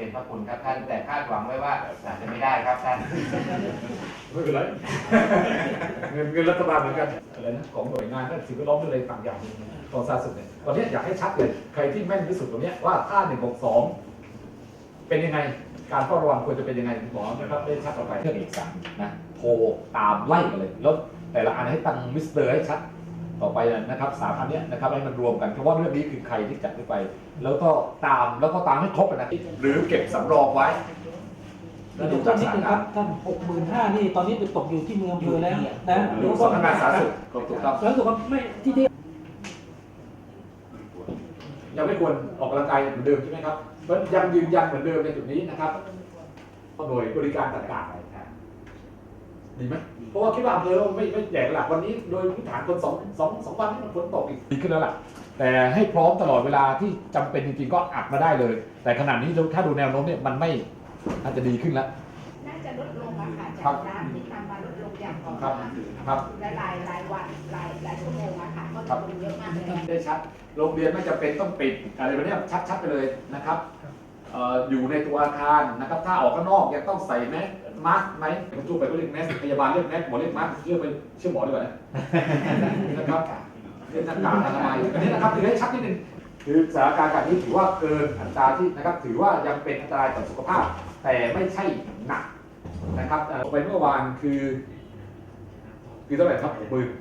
เป็นพระคุณครับท่านแต่คาดหวังไว้ว่าอาจจะไม่ได้ครับท่านไม่เป็นไรเงินรัฐบาลเหมือนกันอะไรนะของหน่วยงานนั่นสิ่งแวดล้อมอะไรต่างอย่างของสาธารณสุขเนี่ยตอนนี้อยากให้ชัดเลยใครที่แม่นที่สุดตรงนี้ว่าถ้า162เป็นยังไงการเฝ้าระวังควรจะเป็นยังไงหมอนะครับได้ชัดต่อไปเรื่องเอกสารนะโทรตามไล่กันเลยแล้วแต่ละอันให้ตั้งมิสเตอร์ให้ชัดต่อไปนะครับ3อันนี้นะครับให้มันรวมกันเพราะว่าเรื่องนี้คือใครที่จัดขึ้นไปแล้วก็ตามให้ครบนะหรือเก็บสำรองไว้เดี๋ยวนิดนึงครับท่าน65,000นี่ตอนนี้ไปตกอยู่ที่เมืองอำเภอแล้วนะหรือสำนักงานสาธารณสุขถูกต้องแล้วถูกไม่ที่ยังไม่ควรออกกำลังกายเหมือนเดิมใช่ไหมครับเพราะยังยืนยันเหมือนเดิมในจุดนี้นะครับหน่วยบริการต่างๆดีไหมเพราะว่าคิดว่าอำเภอไม่แจกหลักวันนี้โดยพื้นฐานคนสองวันนี้มันฝนตกอีกดีขึ้นแล้วล่ะแต่ให้พร้อมตลอดเวลาที่จำเป็นจริงๆก็อัดมาได้เลยแต่ขนาดนี้ถ้าดูแนวโน้มเนี่ยมันไม่อาจจะดีขึ้นแล้วน่าจะลดลงอะค่ะจากน้ำที่ทำมาลดลงอย่างต่อเนื่องครับหลายวันหลายชั่วโมงอะค่ะก็ลดเยอะมากเลยได้ชัดโรงเรียนไม่จำเป็นต้องปิดอะไรแบบนี้ชัดไปเลยนะครับอยู่ในตัวอาคารนะครับถ้าออกข้างนอกยังต้องใส่แมสไหมคุณจูไปก็เรียกแมสพยาบาลเรียกแมสหมอเรียกมาสเชื่อหมอดีกว่านะครับเรียกหน้ากากอนามัยอันนี้นะครับคือให้ชัดนิดนึงคือสถานการณ์แบบนี้ถือว่าเกินอัตราที่นะครับถือว่ายังเป็นอันตรายต่อสุขภาพแต่ไม่ใช่หนักนะครับไปเมื่อวานคือเท่าไหร่ครับ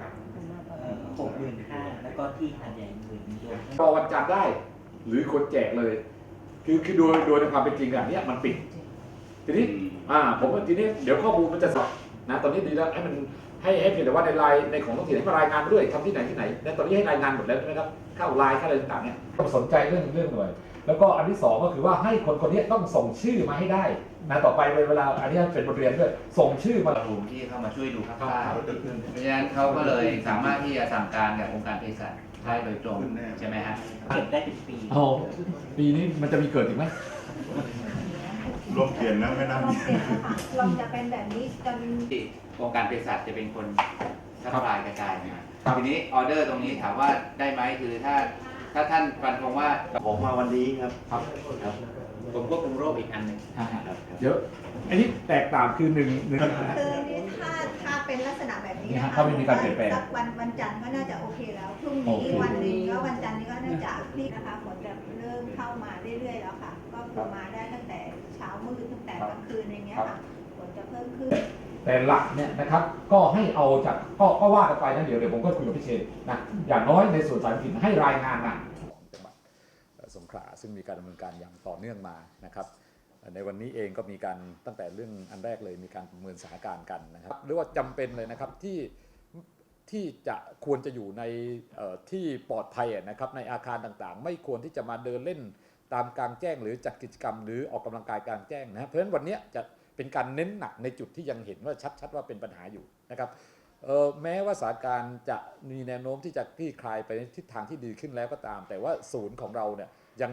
65,000แล้วก็ที่หาดใหญ่10,000 รอวันจันทร์ได้หรือคนแจกเลยคือโดยในความเป็นจริงอันนี้มันปิดทีนี้ผมว่าทีนี้เดี๋ยวข้อมูลมันจะสอบนะตอนนี้ดีแล้วให้มันให้เพียงแต่ว่าในไลน์ในของท้องถิ่นให้มารายงานด้วยทำที่ไหนและตอนนี้ให้รายงานหมดแล้วใช่ไหมครับเข้าไลน์เข้าอะไรต่างๆเนี่ยต้องสนใจเรื่องหน่อยแล้วก็อันที่2ก็คือว่าให้คนนี้ต้องส่งชื่อมาให้ได้นะต่อไปเวลาอันนี้เป็นบทเรียนด้วยส่งชื่อมากลุ่มที่เข้ามาช่วยดูภาคใต้เพราะฉะนั้นเขาก็เลยสามารถที่จะสั่งการกับองค์การเภสัชได้โดยตรงใช่ไหมฮะเก็บได้เป็นปีปีนี้มันจะมีเกิดอีกไหมรวมเขียนนะไม่น่ามีลองจะเป็นแบบนี้จนองค์การเภสัชจะเป็นคนทับลายกระจายนะทีนี้ออเดอร์ตรงนี้ถามว่าได้ไหมคือถ้าท่านฟันธงว่าผมมาวันนี้ครับผมควบคุมโรคอีกอันหนึ่งเยอะอันนี้แตกต่างคือหนึ่งคือนี่ถ้าเป็นลักษณะแบบนี้นะคะถ้าไม่มีการเปลี่ยนแปลงวันจันทร์ก็น่าจะโอเคแล้วพรุ่งนี้วันหนึ่งก็วันจันทร์นี้ก็น่าจะพลิกนะคะฝนจะเริ่มเข้ามาเรื่อยๆแล้วค่ะก็มาได้ตั้งแต่เช้ามืดตั้งแต่กลางคืนอย่างเงี้ยค่ะฝนจะเพิ่มขึ้นแต่หลักเนี่ยนะครับก็ให้เอาจากก็ว่ากันไปนะเดี๋ยวผมก็คุยกับพี่เชนนะอย่างน้อยในส่วนสายถิ่นให้รายงานมาสงขลาซึ่งมีการดำเนินการอย่างต่อเนื่องมานะครับในวันนี้เองก็มีการตั้งแต่เรื่องอันแรกเลยมีการประเมินสถานการณ์กันนะครับหรือว่าจำเป็นเลยนะครับที่จะควรจะอยู่ในที่ปลอดภัยนะครับในอาคารต่างๆไม่ควรที่จะมาเดินเล่นตามกลางแจ้งหรือจัดกิจกรรมหรือออกกำลังกายกลางแจ้งนะเพราะฉะนั้นวันนี้จะเป็นการเน้นหนักในจุดที่ยังเห็นว่าชัดว่าเป็นปัญหาอยู่นะครับแม้ว่าสถานการณ์จะมีแนวโน้มที่จะคลี่คลายไปในทิศทางที่ดีขึ้นแล้วก็ตามแต่ว่าศูนย์ของเราเนี่ย